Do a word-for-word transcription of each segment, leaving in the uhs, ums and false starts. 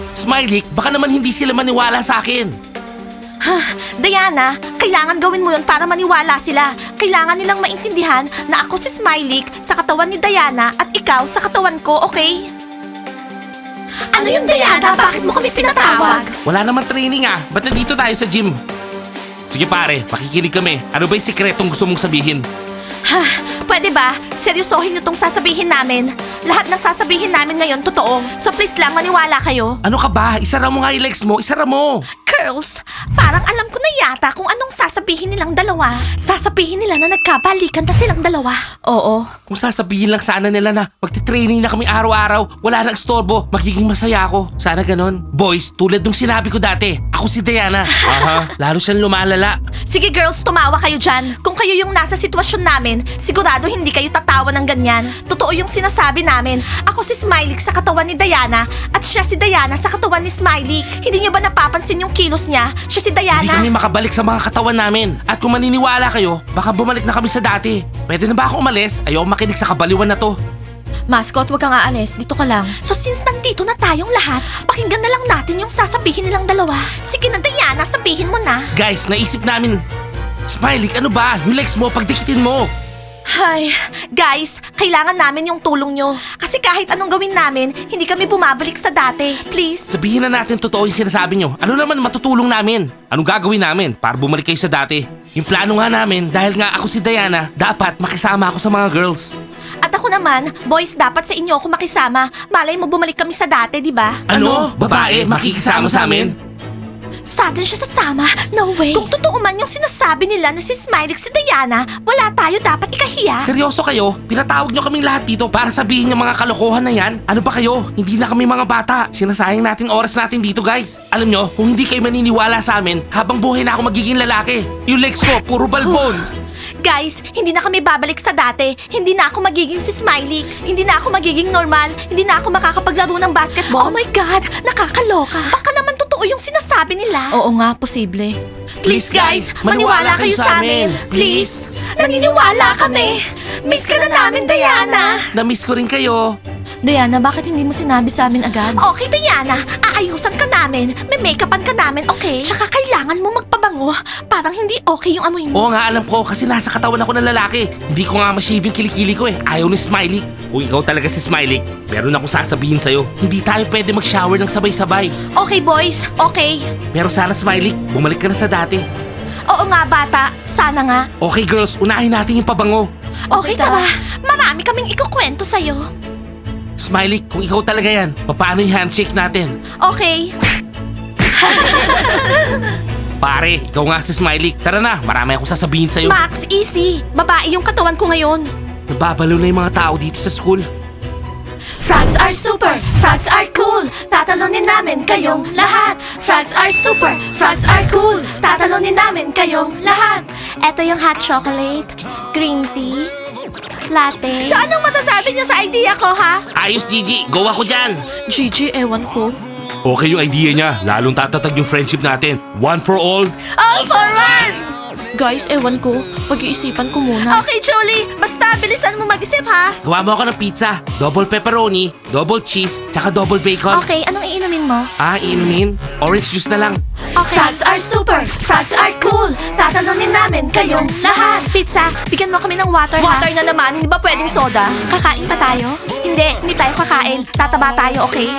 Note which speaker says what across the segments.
Speaker 1: Smiley, baka naman hindi sila maniwala sa akin.
Speaker 2: Diana, kailangan gawin mo yun para maniwala sila. Kailangan nilang maintindihan na ako si Smiley sa katawan ni Diana at ikaw sa katawan ko, okay? Ano yun, Diana? Bakit mo kami pinatawag?
Speaker 1: Wala naman training ah. Ba't nandito tayo sa gym? Sige pare, makikinig kami. Ano ba yung sikretong gusto mong sabihin?
Speaker 2: Ha, pwede ba? Seryosohin niyo tong sasabihin namin. Lahat ng sasabihin namin ngayon totoo. So please lang maniwala kayo.
Speaker 1: Ano ka ba? Isara mo nga yung legs mo. Isara mo.
Speaker 2: Girls, parang alam ko na yata kung anong sasabihin nilang dalawa. Sasabihin nila na nagkabalikan na silang dalawa. Oo.
Speaker 1: Kung sasabihin lang sana nila na magti-training na kami araw-araw, wala nang istorbo, magiging masaya ako. Sana ganon. Boys, tulad nung sinabi ko dati, ako si Diana. Aha, lalo siyang lumalala.
Speaker 2: Sige girls, tumawa kayo dyan. Kung kayo yung nasa sitwasyon namin, sigurado hindi kayo tatawa ng ganyan. Totoo yung sinasabi namin. Ako si Smiley sa katawan ni Diana at siya si Diana sa katawan ni Smiley. Hindi niyo ba napapansin yung kilos niya? Siya si Diana.
Speaker 1: Hindi kami makabalik sa mga katawan namin. At kung maniniwala kayo, baka bumalik na kami sa dati. Pwede na ba ako umalis? Ayoko makinig sa kabaliwan na to.
Speaker 2: Mascot, wag kang aalis. Dito ka lang. So since nandito na tayong lahat, pakinggan na lang natin yung sasabihin nilang dalawa. Sige na Diana, sabihin mo na.
Speaker 1: Guys, naisip namin. Smiley, ano ba? Yung legs mo, pagdikitin mo.
Speaker 2: Ay, guys, kailangan namin yung tulong nyo. Kasi kahit anong gawin namin, hindi kami bumabalik sa dati. Please.
Speaker 1: Sabihin na natin totoo yung sinasabi nyo. Ano naman matutulong namin? Anong gagawin namin para bumalik kayo sa dati? Yung plano nga namin, dahil nga ako si Diana, dapat makisama ako sa mga girls.
Speaker 2: At ako naman, boys, dapat sa inyo ako makisama. Malay mo bumalik kami sa dati, di ba?
Speaker 1: Ano? Babae, makikisama sa amin?
Speaker 2: Sa atin siya sasama? No way. Kung totoo man yung sinasabi nila na si Smiley si Diana, wala tayo dapat ikahiya.
Speaker 1: Seryoso kayo? Pinatawag nyo kaming lahat dito para sabihin yung mga kalokohan na yan? Ano ba kayo? Hindi na kami mga bata. Sinasayang natin oras natin dito, guys. Alam nyo, kung hindi kayo maniniwala sa amin, habang buhay na ako magiging lalaki. Yung legs ko, puro balbon.
Speaker 2: Guys, hindi na kami babalik sa dati. Hindi na ako magiging si Smiley. Hindi na ako magiging normal. Hindi na ako makakapaglaro ng basketball. Oh my God, nakakaloka. Baka naman totoo yung sinasabi nila. Oo nga, posible. Please guys, maniwala kayo sa amin. Please. Naniniwala kami. Miss ka na namin, Diana.
Speaker 1: Na-miss ko rin kayo.
Speaker 2: Diana, bakit hindi mo sinabi sa amin agad? Okay, Diana. Aayusan ka namin. May make-upan ka namin, okay? Tsaka kailangan mo magpabango. Parang hindi okay yung amoy mo.
Speaker 1: Oo nga, alam ko kasi nasa katawan ako ng lalaki. Hindi ko nga ma-shave yung kilikili ko eh. Ayaw ni Smiley. Kung ikaw talaga si Smiley, meron akong sasabihin sa'yo. Hindi tayo pwede mag-shower ng sabay-sabay.
Speaker 2: Okay, boys. Okay.
Speaker 1: Pero sana Smiley, bumalik ka na sa dati.
Speaker 2: Oo nga, bata. Sana nga.
Speaker 1: Okay girls, unahin natin yung pabango.
Speaker 2: Okay, tara. Marami kaming ikukwento sa'yo.
Speaker 1: Smiley, kung ikaw talaga yan, paano yung handshake natin?
Speaker 2: Okay.
Speaker 1: Pare, ikaw nga si Smiley. Tara na, marami akong sasabihin sa'yo.
Speaker 2: Max, easy. Babae yung katawan ko ngayon.
Speaker 1: Nababalo na yung mga tao dito sa school.
Speaker 2: Frogs are super, frogs are cool. Tatalunin namin kayong lahat. Frogs are super, frogs are cool. Tatalunin namin kayong lahat. Ito yung hot chocolate, green tea, latte. So anong masasabi niyo sa idea ko, ha?
Speaker 1: Ayos, Gigi. Go ako dyan.
Speaker 2: Gigi, ewan ko.
Speaker 1: Okay yung idea niya. Lalong tatatag yung friendship natin. One for all.
Speaker 2: All for one! Guys, ewan ko. Pag-iisipan ko muna. Okay, Julie. Basta bilisan mo mag-isip, ha?
Speaker 1: Gawa mo ako ng pizza. Double pepperoni, double cheese, tsaka double bacon.
Speaker 2: Okay, anong iinumin mo?
Speaker 1: Ah, inumin? Orange juice na lang.
Speaker 2: Okay. Frogs are super, frogs are cool. Tatalunin namin kayong lahat. Pizza, bigyan mo kami ng water, ha? Water na naman, hindi ba pwedeng soda? Kakain pa tayo? Hindi, hindi tayo kakain. Tataba tayo, okay?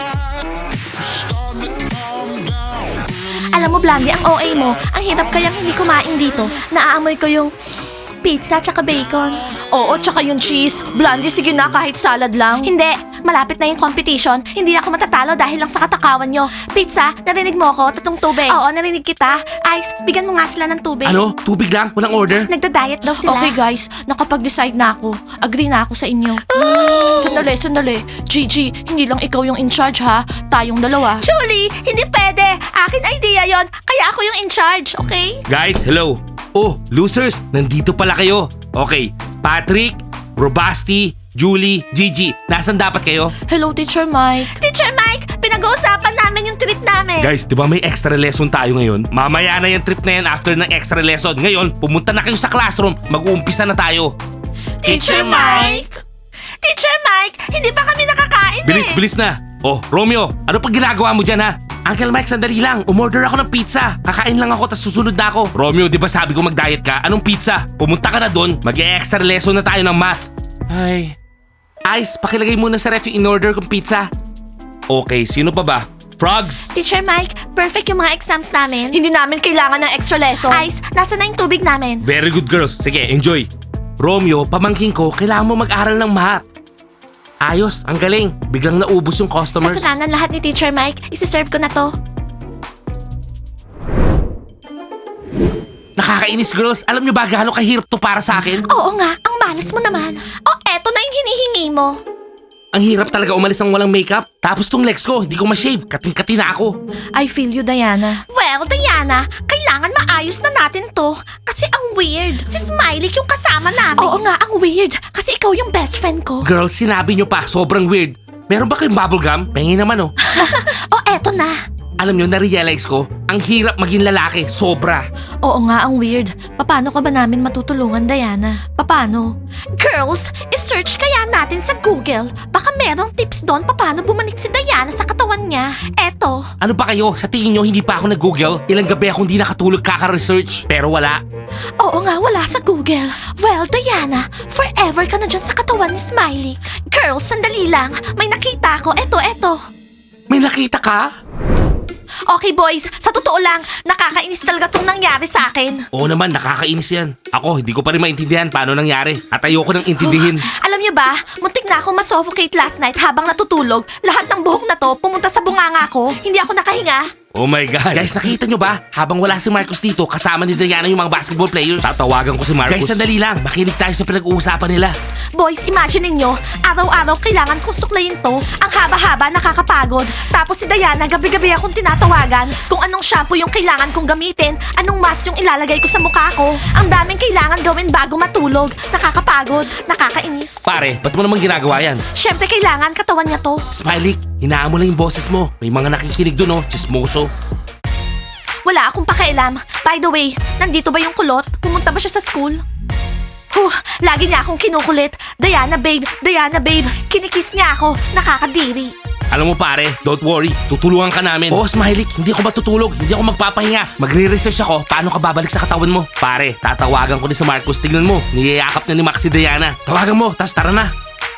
Speaker 2: Alam mo, Blandy, ang O A mo, ang hirap kayang hindi kumain dito. Naaamoy ko yung pizza tsaka bacon. Oo, tsaka yung cheese. Blandy, sige na, kahit salad lang. Hindi, malapit na yung competition. Hindi ako matatalo dahil lang sa katakawan nyo. Pizza, narinig mo ako, tatong tubig. Oo, narinig kita. Ice, bigyan mo nga sila ng tubig.
Speaker 1: Ano? Tubig lang? Walang order?
Speaker 2: Nagda-diet daw sila. Okay guys, nakapag-decide na ako. Agree na ako sa inyo. Sandali, sandali. Gigi, hindi lang ikaw yung in charge ha. Tayong dalawa. Julie, hindi pwede. Akin idea yon. Kaya ako yung in charge, okay?
Speaker 1: Guys, hello. Oh, losers, nandito pala kayo. Okay, Patrick, Robasti, Julie, Gigi, nasan dapat kayo?
Speaker 2: Hello, Teacher Mike. Teacher Mike, pinag-uusapan namin yung trip namin.
Speaker 1: Guys, di ba may extra lesson tayo ngayon? Mamaya na yung trip na yan after ng extra lesson. Ngayon, pumunta na kayo sa classroom. Mag-uumpisa na tayo.
Speaker 2: Teacher Mike? Teacher Mike, hindi pa kami nakakain
Speaker 1: Bilis,
Speaker 2: eh.
Speaker 1: bilis na. Oh, Romeo, ano pa ginagawa mo dyan ha? Uncle Mike, sandali lang. Umorder ako ng pizza. Kakain lang ako, tas susunod na ako. Romeo, di ba sabi ko mag-diet ka? Anong pizza? Pumunta ka na doon. Mag-e-extra lesson na tayo ng math. Ay. Ice, pakilagay muna sa ref yung in-order kong pizza. Okay, sino pa ba? Frogs!
Speaker 2: Teacher Mike, perfect yung mga exams namin. Hindi namin kailangan ng extra lesson. Ice, nasa na yung tubig namin?
Speaker 1: Very good girls. Sige, enjoy. Romeo, pamangking ko, kailangan mo mag-aral ng math. Ayos, ang galing. Biglang naubos yung customers.
Speaker 2: Kasalanan lahat ni Teacher Mike. Isi-serve ko na to.
Speaker 1: Nakakainis girls. Alam nyo ba gaano kahirap to para sa akin?
Speaker 2: Oo nga, ang malas mo naman. O, eto na yung hinihingi mo.
Speaker 1: Ang hirap talaga umalis ng walang makeup. Tapos tong legs ko, hindi ko ma-shave. Kating-kati na ako.
Speaker 2: I feel you, Diana. Well, Diana, kailangan maayos na natin to. Kasi ang weird. Si Smiley yung kasama namin. Oo nga, ang weird. Kasi ikaw yung best friend ko.
Speaker 1: Girls, sinabi nyo pa, sobrang weird. Meron ba kayong bubble gum? Pengi naman oh.
Speaker 2: O, eto na.
Speaker 1: Alam nyo, na-realize ko, ang hirap maging lalaki. Sobra.
Speaker 2: Oo nga, ang weird. Paano ka ba namin matutulungan, Diana? Paano? Girls, isearch kaya natin sa Google. Baka merong tips doon paano bumalik si Diana sa katawan niya. Eto.
Speaker 1: Ano ba kayo? Sa tingin nyo, hindi pa ako nag-google? Ilang gabi akong hindi nakatulog kaka-research. Pero wala.
Speaker 2: Oo nga, wala sa Google. Well, Diana, forever ka na dyan sa katawan ni Smiley. Girls, sandali lang. May nakita ko. Eto, eto.
Speaker 1: May nakita ka?
Speaker 2: Okay boys, sa totoo lang, nakakainis talaga itong nangyari sa akin.
Speaker 1: Oo naman, nakakainis yan. Ako, hindi ko pa rin maintindihan paano nangyari. At ayoko nang intindihin.
Speaker 2: Alam niyo ba, muntik na ako masuffocate last night habang natutulog. Lahat ng buhok na to pumunta sa bunganga ko. Hindi ako nakahinga.
Speaker 1: Oh my God. Guys, nakita nyo ba? Habang wala si Marcus dito, kasama ni Diana yung mga basketball players. Tatawagan ko si Marcus. Guys, sandali lang. Makinig tayo sa pinag-uusapan nila.
Speaker 2: Boys, imagine ninyo, araw-araw kailangan kong suklayin to. Ang haba-haba, nakakapagod. Tapos si Diana, gabi-gabi akong tinatawagan kung anong shampoo yung kailangan kong gamitin, anong mask yung ilalagay ko sa mukha ko. Ang daming kailangan gawin bago matulog. Nakakapagod, nakakainis.
Speaker 1: Pare, ba't mo naman ginagawa yan?
Speaker 2: Siyempre kailangan katawan niya to.
Speaker 1: Smiley, hinaan mo lang yung boses mo. May mga nakikinig dun oh, chismoso.
Speaker 2: Wala akong pakialam. By the way, nandito ba yung kulot? Pumunta ba siya sa school? Huh, lagi niya akong kinukulit. Diana babe, Diana babe. Kinikiss niya ako. Nakakadiri.
Speaker 1: Alam mo pare, don't worry, tutulungan ka namin. Oo, Smiley, hindi ako matutulog, hindi ako magpapahinga. Magre-research ako paano ka babalik sa katawan mo. Pare, tatawagan ko ni si Marcus, tignan mo, niyayakap na ni Max si Diana. Tawagan mo, tas tara na.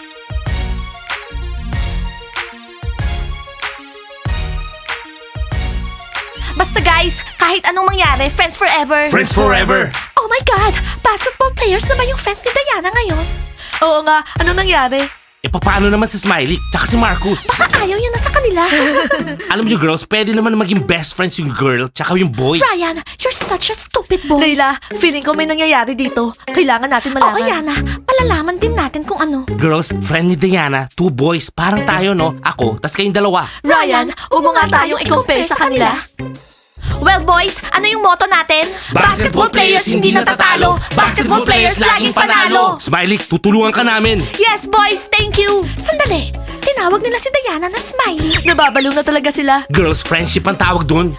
Speaker 2: Basta guys, kahit anong mangyari, friends forever.
Speaker 1: Friends forever.
Speaker 2: Oh my God! Basketball players na ba yung friends ni Diana ngayon? Oo nga, ano nangyari?
Speaker 1: E paano naman si Smiley, tsaka si Marcus?
Speaker 2: Baka ayaw niya na sa kanila.
Speaker 1: Alam niyo girls, pwede naman maging best friends yung girl, tsaka yung boy.
Speaker 2: Ryan, you're such a stupid boy.
Speaker 3: Layla, feeling ko may nangyayari dito. Kailangan natin malaman.
Speaker 2: Oo, Yana. Malalaman din natin kung ano.
Speaker 1: Girls, friend ni Diana, two boys, parang tayo no? Ako, tas kayong dalawa.
Speaker 3: Ryan, huwag mo nga tayong i-compare sa kanila.
Speaker 2: Well boys, ano yung motto natin?
Speaker 1: Basketball players hindi natatalo. Basketball players laging panalo. Smiley, tutulungan ka namin.
Speaker 2: Yes boys, thank you. Sandali, tinawag nila si Diana na Smiley.
Speaker 3: Nababalo na talaga sila.
Speaker 1: Girls, friendship ang tawag dun.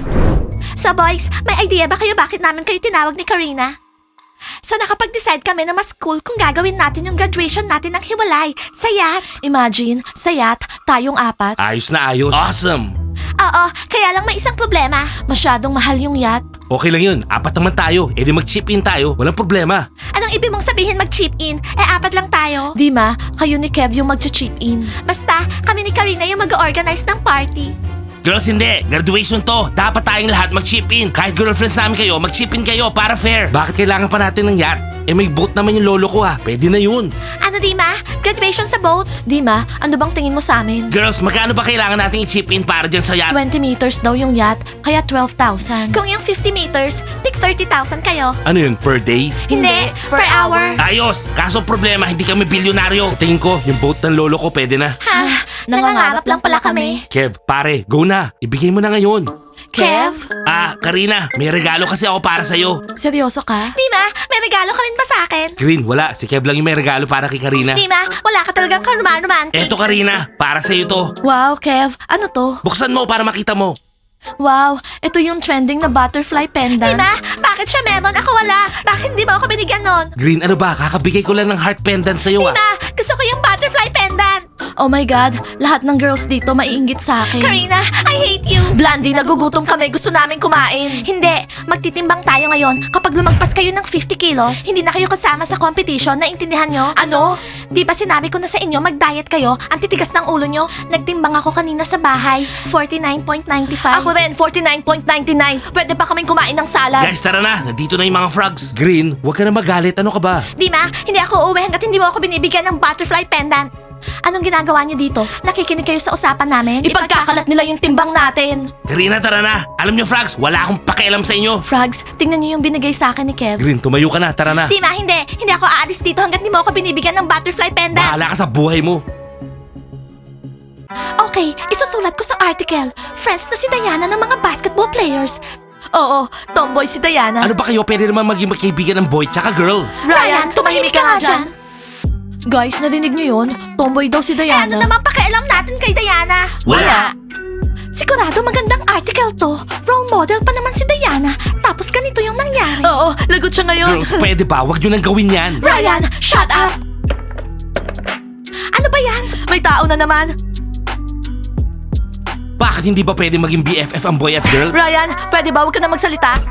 Speaker 2: So boys, may idea ba kayo bakit namin kayo tinawag ni Karina? So nakapag-decide kami na mas cool kung gagawin natin yung graduation natin ng hiwalay. Sayat.
Speaker 3: Imagine, sayat, tayong apat.
Speaker 1: Ayos na ayos. Awesome.
Speaker 2: Oo, kaya lang may isang problema.
Speaker 3: Masyadong mahal yung yacht.
Speaker 1: Okay lang yun, apat naman tayo. E di mag-chip in tayo, walang problema.
Speaker 2: Anong ibig mong sabihin mag-chip in? Eh apat lang tayo.
Speaker 3: Di ma, kayo ni Kev yung magcha-chip in.
Speaker 2: Basta, kami ni Karina yung mag-organize ng party.
Speaker 1: Girls, hindi. Graduation to. Dapat tayong lahat mag-chip in. Kahit girlfriends namin kayo, mag-chip in kayo para fair. Bakit kailangan pa natin ng yacht? Eh may boat naman yung lolo ko ha. Pwede na yun.
Speaker 2: Ano di ma? Graduation sa boat?
Speaker 3: Di ma, ano bang tingin mo sa amin?
Speaker 1: Girls, magkano ba kailangan nating i-chip in para dyan sa yacht?
Speaker 3: twenty meters daw yung yacht, kaya twelve thousand.
Speaker 2: Kung yung fifty meters, tig thirty thousand kayo.
Speaker 1: Ano yun, per day?
Speaker 2: Hindi, per hour.
Speaker 1: Ayos! Kaso problema, hindi kami bilyonaryo. Sa tingin ko, yung boat ng lolo ko pwede na.
Speaker 2: Ha? Nangangarap lang pala kami.
Speaker 1: Kev, pare, go na. Ibigay mo na ngayon.
Speaker 2: Kev?
Speaker 1: Ah, Karina, may regalo kasi ako para sa'yo.
Speaker 3: Seryoso ka?
Speaker 2: Di ma, may regalo ka rin ba sa akin?
Speaker 1: Green, wala. Si Kev lang yung may regalo para kay Karina.
Speaker 2: Di ma, wala ka talagang karuman-romantic.
Speaker 1: Eto Karina, para sa'yo to.
Speaker 3: Wow, Kev, ano to?
Speaker 1: Buksan mo para makita mo.
Speaker 3: Wow, ito yung trending na butterfly pendant.
Speaker 2: Di ma, bakit siya meron? Ako wala. Bakit hindi mo ako binigyan nun?
Speaker 1: Green, ano ba? Kakabigay ko lang ng heart pendant sa'yo
Speaker 2: Di
Speaker 1: ah.
Speaker 2: ma, gusto ko yung butterfly pendant.
Speaker 3: Oh my God, lahat ng girls dito maiinggit sa akin.
Speaker 2: Karina, I hate you!
Speaker 3: Blandy, nagugutom kami. Gusto namin kumain.
Speaker 2: Hindi, magtitimbang tayo ngayon. Kapag lumagpas kayo ng fifty kilos, hindi na kayo kasama sa competition, naintindihan nyo?
Speaker 3: Ano?
Speaker 2: Di ba sinabi ko na sa inyo, mag-diet kayo? Ang titigas ng ulo nyo. Nagtimbang ako kanina sa bahay, forty-nine point nine five.
Speaker 3: Ako rin, forty-nine point nine nine. Pwede pa kaming kumain ng salad.
Speaker 1: Guys, tara na. Nandito na yung mga frogs. Green, huwag ka na magalit. Ano ka ba?
Speaker 2: Dima, hindi ako uuwi hanggat hindi mo ako binibigyan ng butterfly pendant. Anong ginagawa nyo dito? Nakikinig kayo sa usapan namin?
Speaker 3: Ipagkakalat nila yung timbang natin.
Speaker 1: Karina, tara na. Alam nyo, frogs, wala akong pakialam sa inyo.
Speaker 3: Frogs, tingnan niyo yung binigay sa akin ni Kev.
Speaker 1: Green, tumayo ka na. Tara na.
Speaker 2: Dima, hindi. Hindi ako aalis dito hanggat hindi mo ako binibigyan ng butterfly pendant.
Speaker 1: Bahala ka sa buhay mo.
Speaker 2: Okay, isusulat ko sa article. Friends na si Diana ng mga basketball players.
Speaker 3: Oo, tomboy si Diana.
Speaker 1: Ano ba kayo? Pwede naman maging magkaibigan ng boy tsaka girl.
Speaker 2: Ryan, tumahimik ka nga dyan.
Speaker 3: Guys, nadinig niyo yun? Tomboy daw si
Speaker 2: Eh,
Speaker 3: Diana.
Speaker 2: ano naman pakialam natin kay Diana?
Speaker 1: Wala.
Speaker 2: Sigurado magandang article to. Role model pa naman si Diana. Tapos ganito yung nangyari.
Speaker 3: Oo, lagot siya ngayon.
Speaker 1: Girls, pwede ba? Huwag nyo nang gawin yan.
Speaker 2: Ryan, shut up! Ano ba yan?
Speaker 3: May tao na naman.
Speaker 1: Bakit hindi ba pwede maging B F F ang boy at girl?
Speaker 3: Ryan, pwede ba huwag ka na magsalita?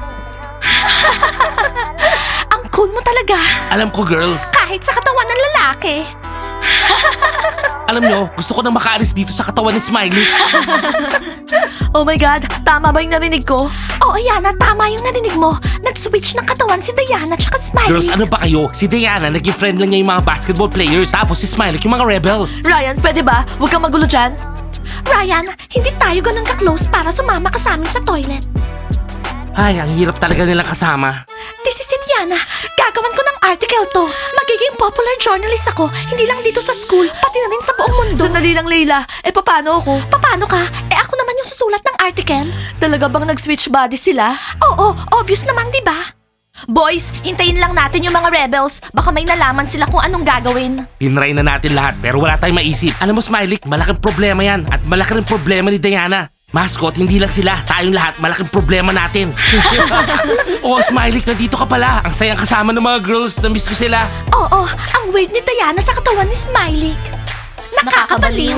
Speaker 2: Ang cool mo talaga.
Speaker 1: Alam ko, girls.
Speaker 2: Kahit sa katawan ng lalaki.
Speaker 1: Alam nyo, gusto ko nang makaalis dito sa katawan ni Smiley.
Speaker 3: Oh my God, tama ba yung narinig ko?
Speaker 2: Oo, Yana, tama yung narinig mo. Nag-switch ng katawan si Diana tsaka Smiley.
Speaker 1: Girls, ano ba kayo? Si Diana, naging friend lang niya yung mga basketball players. Tapos si Smiley, yung mga rebels.
Speaker 3: Ryan, pwede ba? Huwag kang magulo dyan.
Speaker 2: Ryan, hindi tayo ganun ka-close para sumama ka sa amin sa toilet.
Speaker 1: Ay, ang hirap talaga nilang kasama.
Speaker 2: This is it, Yana. Gagawan ko ng article to. Magiging popular journalist ako. Hindi lang dito sa school, pati na rin sa buong mundo.
Speaker 3: Sandali lang, Leila. Eh, paano ako?
Speaker 2: Paano ka? Eh ako naman yung susulat ng article.
Speaker 3: Talaga bang nag-switch bodies sila?
Speaker 2: Oo, obvious naman, di ba? Boys, hintayin lang natin yung mga rebels. Baka may nalaman sila kung anong gagawin.
Speaker 1: Tinry na natin lahat pero wala tayong maisip. Alam mo, Smiley, malaking problema yan. At malaki rin problema ni Diana. Mascot, hindi lang sila. Tayong lahat, malaking problema natin. Oh, Smiley, nandito ka pala. Ang sayang kasama ng mga girls. Na-miss ko sila.
Speaker 2: Oo, ang weird ni Diana sa katawan ni Smiley. Nakakabaliw.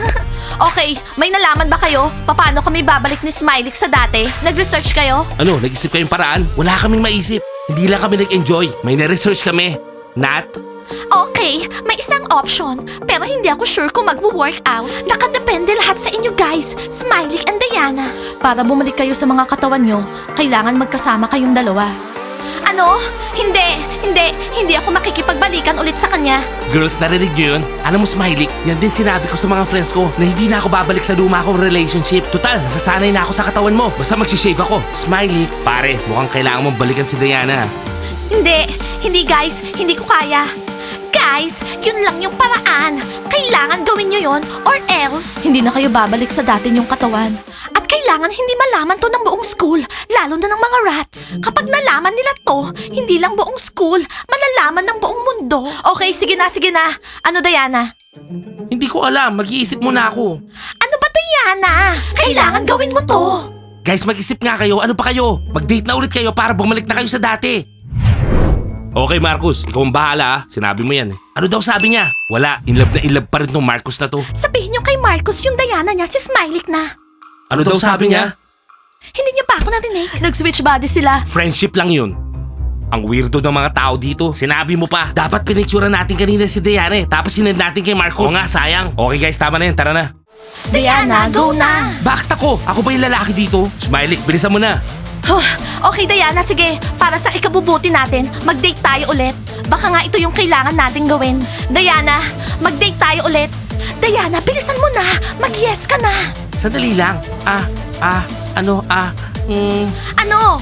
Speaker 3: Okay, may nalaman ba kayo? Paano kami babalik ni Smiley sa dati? Nag-research kayo?
Speaker 1: Ano, nag-isip kayong paraan? Wala kaming maisip. Hindi lang kami nag-enjoy. May na-research kami. Nat?
Speaker 2: Okay, may isang option. Pero hindi ako sure kung magwo-work out. Nakadepende lahat sa inyo guys, Smiley and Diana.
Speaker 3: Para bumalik kayo sa mga katawan nyo, kailangan magkasama kayong dalawa.
Speaker 2: Ano? Hindi, hindi, hindi ako makikipagbalikan ulit sa kanya.
Speaker 1: Girls, narinig nyo yun? Alam mo, Smiley, yan din sinabi ko sa mga friends ko na hindi na ako babalik sa luma kong relationship. Total, nasasanay na ako sa katawan mo. Basta mag-shave ako. Smiley, pare, mukhang kailangan mong balikan si Diana.
Speaker 2: Hindi, hindi guys, hindi ko kaya. Guys, yun lang yung paraan. Kailangan gawin nyo yun or else.
Speaker 3: Hindi na kayo babalik sa dati nyong katawan.
Speaker 2: At kailangan hindi malaman to ng buong school, lalo na ng mga rats. Kapag nalaman nila to, hindi lang buong school, malalaman ng buong mundo.
Speaker 3: Okay, sige na, sige na. Ano, Diana?
Speaker 1: Hindi ko alam, mag-iisip muna ako.
Speaker 2: Ano ba, Diana? Kailangan gawin mo to.
Speaker 1: Guys, mag-isip nga kayo. Ano pa kayo? Mag-date na ulit kayo para bumalik na kayo sa dati. Okay, Marcus. Ikaw ang bahala, ah. Sinabi mo yan eh. Ano daw sabi niya? Wala. In love na in love pa rin tong Marcus na to.
Speaker 2: Sabihin nyo kay Marcus yung Diana niya, si Smiley na.
Speaker 1: Ano, daw sabi niya?
Speaker 2: Hindi niyo pa ako narinig.
Speaker 3: Nag-switch bodies sila.
Speaker 1: Friendship lang yun. Ang weirdo ng mga tao dito. Sinabi mo pa. Dapat pinicturean natin kanina si Diana eh. Tapos sinend natin kay Marcus. Oo nga, sayang. Okay guys, tama na yun. Tara na.
Speaker 2: Diana, go na.
Speaker 1: Bakit ako? Ako ba yung lalaki dito? Smiley, bilisan mo na.
Speaker 2: Huh, okay, Diana, sige. Para sa ikabubuti natin, mag-date tayo ulit. Baka nga ito yung kailangan natin gawin. Diana, mag-date tayo ulit. Diana, bilisan mo na. Mag-yes ka na.
Speaker 1: Sandali lang. Ah, ah, ano, ah, mm.
Speaker 2: Ano?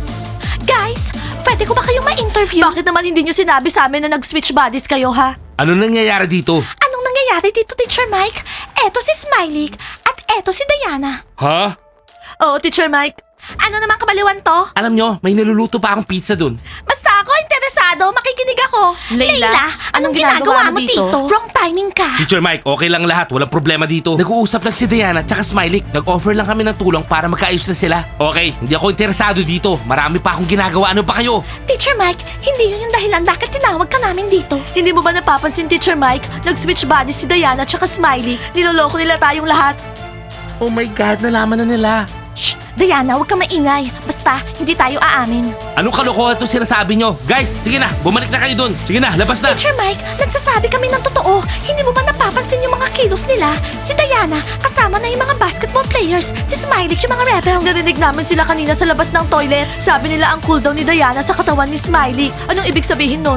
Speaker 2: Guys, pwede ko ba kayong ma-interview?
Speaker 3: Bakit naman hindi nyo sinabi sa amin na nag-switch bodies kayo, ha?
Speaker 1: Ano nangyayari dito?
Speaker 2: Anong nangyayari dito, Teacher Mike? Eto si Smiley at eto si Diana.
Speaker 1: Ha?
Speaker 3: Oo, Teacher Mike.
Speaker 2: Ano naman kabaliwan to?
Speaker 1: Alam nyo, may niluluto pa akong pizza dun.
Speaker 2: Basta ako interesado. sigurado makikinig ako.
Speaker 3: Layla, anong ginagawa mo dito?
Speaker 2: Wrong timing ka.
Speaker 1: Teacher Mike, okay lang lahat. Walang problema dito. Nag-uusap lang si Diana at saka Smiley. Nag-offer lang kami ng tulong para magkaayos na sila. Okay, hindi ako interesado dito. Marami pa akong ginagawa. Ano pa kayo?
Speaker 2: Teacher Mike, hindi yun yung dahilan bakit tinawag ka namin dito.
Speaker 3: Hindi mo ba napapansin, Teacher Mike? Nag-switch bodies si Diana at Smiley. Niloloko nila tayong lahat.
Speaker 1: Oh my God, nalaman na nila.
Speaker 2: Shh! Diana, huwag ka maingay. Basta, hindi tayo aamin.
Speaker 1: Anong kalokohan to sinasabi nyo? Guys, sige na, bumalik na kayo dun. Sige na, labas na.
Speaker 2: Teacher Mike, nagsasabi kami ng totoo. Hindi mo ba napapansin yung mga kilos nila? Si Diana, kasama na yung mga basketball players. Si Smiley, yung mga rebels.
Speaker 3: Narinig namin sila kanina sa labas ng toilet. Sabi nila ang cool daw ni Diana sa katawan ni Smiley. Anong ibig sabihin nun?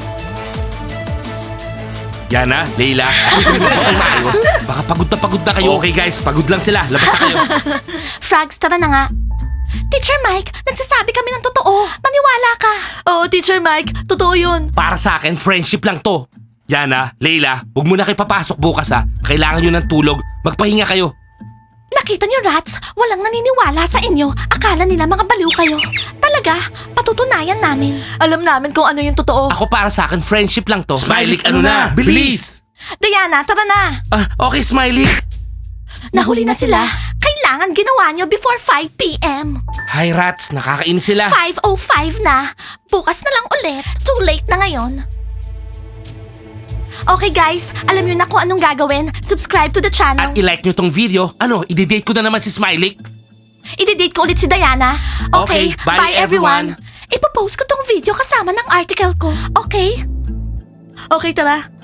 Speaker 1: Yana, Leila, hindi mo ba kayo maayos? Baka pagod na pagod na kayo. Okay guys, pagod lang sila. Labas na kayo.
Speaker 2: Frogs, tara na nga. Teacher Mike, nagsasabi kami ng totoo. Maniwala ka.
Speaker 3: Oo, Teacher Mike. Totoo yun.
Speaker 1: Para sa akin, friendship lang to. Yana, Leila, huwag mo na kayo papasok bukas ha. Kailangan nyo ng tulog. Magpahinga kayo.
Speaker 2: Nakita niyo, Rats? Walang naniniwala sa inyo. Akala nila mga baliw kayo. Talaga, patutunayan namin.
Speaker 3: Alam namin kung ano yung totoo.
Speaker 1: Ako para sa akin, friendship lang to. Smiley, ano na? Bilis!
Speaker 2: Diana, tara na.
Speaker 1: Ah, okay, Smiley.
Speaker 2: Nahuli na sila. Kailangan ginawa niyo before five p m
Speaker 1: Hi, Rats. Nakakainis sila.
Speaker 2: five oh five na. Bukas na lang ulit. Too late na ngayon. Okay guys, alam niyo na kung anong gagawin. Subscribe to the channel.
Speaker 1: At i-like nyo tong video. Ano, i-date ko na naman si Smiley?
Speaker 2: I-date ko ulit si Diana. Okay,
Speaker 1: Okay, bye,
Speaker 2: bye, everyone.
Speaker 1: everyone.
Speaker 2: Ipopost ko tong video kasama ng article ko. Okay?
Speaker 3: Okay, tara.